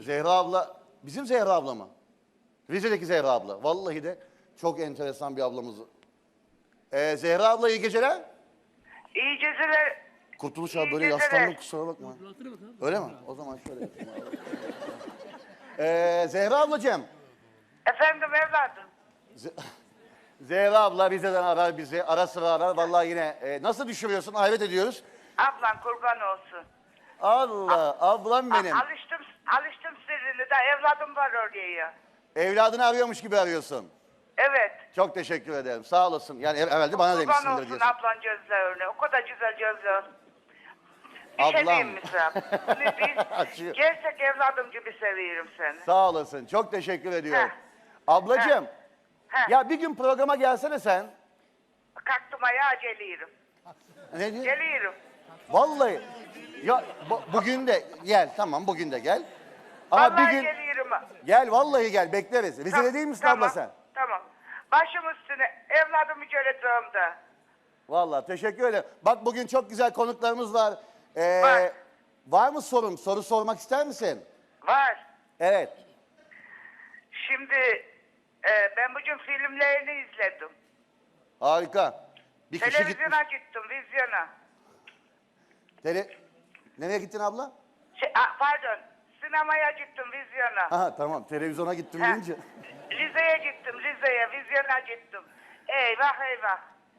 Zehra abla, bizim Zehra abla mı? Rize'deki Zehra abla. Vallahi de çok enteresan bir ablamız. Zehra abla iyi geceler. İyi geceler. Kurtuluş abi İyi böyle geceler. yaslandım kusura bakma. Öyle mi? O zaman şöyle yapayım abi. Zehra ablacığım. Efendim evladım. Zehra abla Rize'den arar bizi. Ara sıra arar. Vallahi yine nasıl düşürüyorsun? Hayret ediyoruz. Ablan kurban olsun. Allah ablam benim. Alıştım sırrını da evladım var oraya. Evladını arıyormuş gibi arıyorsun. Evet. Çok teşekkür ederim. Sağ olasın. Yani evvelde bana Kurban demişsindir olsun diyorsun. ablan gözlerine. O kadar güzel gözler. Bir Ablam. şey diyeyim mi sana? Açıyor. Gerçek evladım gibi seviyorum seni. Sağ olasın. Çok teşekkür ediyorum. Ablacığım. Heh. Ya bir gün programa gelsene sen. Kalktım ayağa geliyorum. Ne diyor? Geliyorum. Vallahi. Ya bugün de gel. Tamam bugün de gel. Ama Vallahi bir gün geliyorum. gel vallahi gel bekleriz. Rize'de değil misin abla sen? Tamam. Başım üstüne evladımı göreceğim de. Vallahi teşekkür ederim. Bak bugün çok güzel konuklarımız var. Var. Var mı sorun? Soru sormak ister misin? Var. Evet. Şimdi ben bugün filmlerini izledim. Harika. Bir kişi gitmiş. Televizyona gittim, vizyona. Nereye gittin abla? Pardon, sinemaya gittim, vizyona. Aha tamam televizyona gittim Ha. deyince. Rize'ye gittim, vizyona gittim. Eyvah eyvah.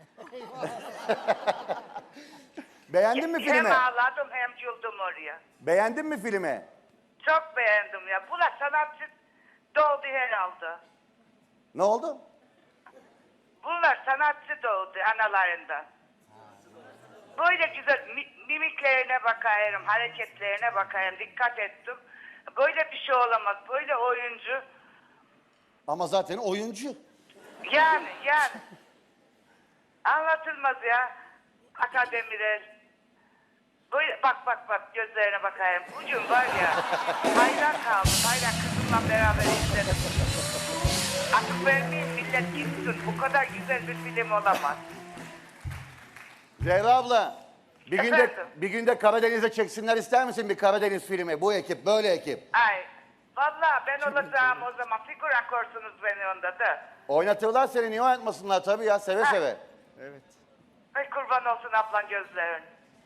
Beğendin mi filmi? Hem ağladım hem güldüm oraya. Beğendin mi filmi? Çok beğendim ya. Bu da sanatçı doğdu herhalde. Ne oldu? Bunlar sanatçı doğdu analarından. Böyle güzel mimiklerine bakayım, hareketlerine bakayım, dikkat ettim. Böyle bir şey olamaz, böyle oyuncu. Ama zaten oyuncu. Yani. Anlatılmaz ya. Akademiler. Böyle bak gözlerine bakayım. Bugün var ya, hayran kaldım, hayran kızımla beraber izledim. Artık vermeyeyim millet gitsin. Bu kadar güzel bir film olamaz. Zehra abla, Efendim? bir günde Karadeniz'e çeksinler ister misin bir Karadeniz filmi? Bu ekip, böyle ekip. Ay, vallahi ben olacağım o zaman. Figüran korsunuz beni onda da. Oynatırlar seni, niye oynatmasınlar tabii ya, seve seve. Ay kurban olsun ablan gözlerin.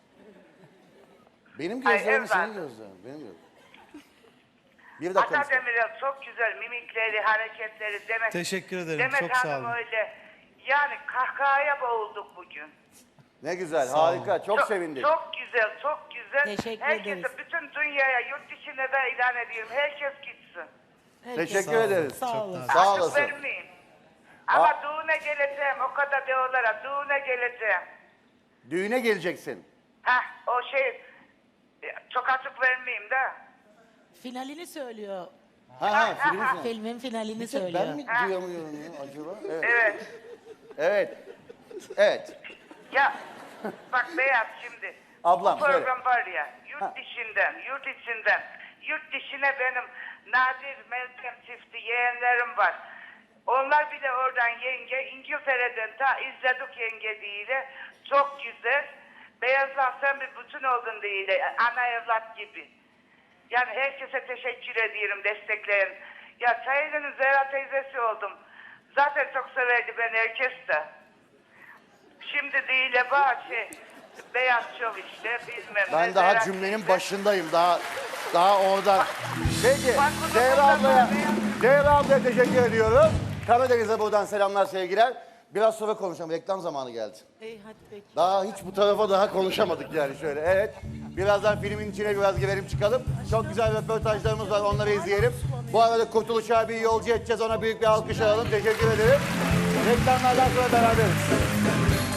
Benim Ay, gözlerim senin evladım. gözlerin, benim gözlerim. Bir dakika. Atademir'in çok güzel mimikleri, hareketleri. Teşekkür ederim, Demet çok sağ Hanım olun. öyle. Yani kahkahaya boğulduk bugün. Ne güzel, Sağ olun. harika, çok sevindik. Çok güzel, çok güzel. Teşekkür Herkese, ederiz. bütün dünyaya, yurt dışına da ilan ediyorum. Herkes gitsin. Teşekkür Sağ olun. ederiz. Sağ olun. Sağ Artık olasın. vermeyin. Ama düğüne geleceğim, o kadar diyorlar. Düğüne geleceğim. Düğüne geleceksin. O şey, çok açık vermeyeyim de. Finalini söylüyor. Filmi sen. Filmin finalini Bir tek söylüyor. ben mi duyamıyorum ya acaba? Evet. Evet. Evet. Evet. Ya bak Beyaz şimdi. Ablam, bu program söyle. var ya yurt içinden yurt dışına benim Nadir Meltem çifti yeğenlerim var. Onlar bile oradan yenge İngiltere'den ta izledik yenge değil. Çok güzel. Beyazlar sen bir bütün oldun değil. Ana evlat gibi. Yani herkese teşekkür ediyorum destekleyin. Ya Sayın'ın Zehra teyzesi oldum. Zaten çok severdi ben herkes de. Şimdi değil Beyaz Şov işte bilmem Ben ne, daha Zehra cümlenin teyze. başındayım. Daha oradan. Peki. Bak bu da Zehra ablaya teşekkür ediyorum. Karadeniz'e buradan selamlar, sevgiler. Biraz sonra konuşalım. Reklam zamanı geldi. İyi hadi peki. Daha hiç bu tarafa daha konuşamadık yani şöyle. Evet. Birazdan filmin içine biraz girelim çıkalım. Çok güzel röportajlarımız var. Onları izleyelim. Bu arada Kurtuluş abiyi yolcu edeceğiz. Ona büyük bir alkış alalım. Teşekkür ederim. Reklamlardan sonra beraberiz.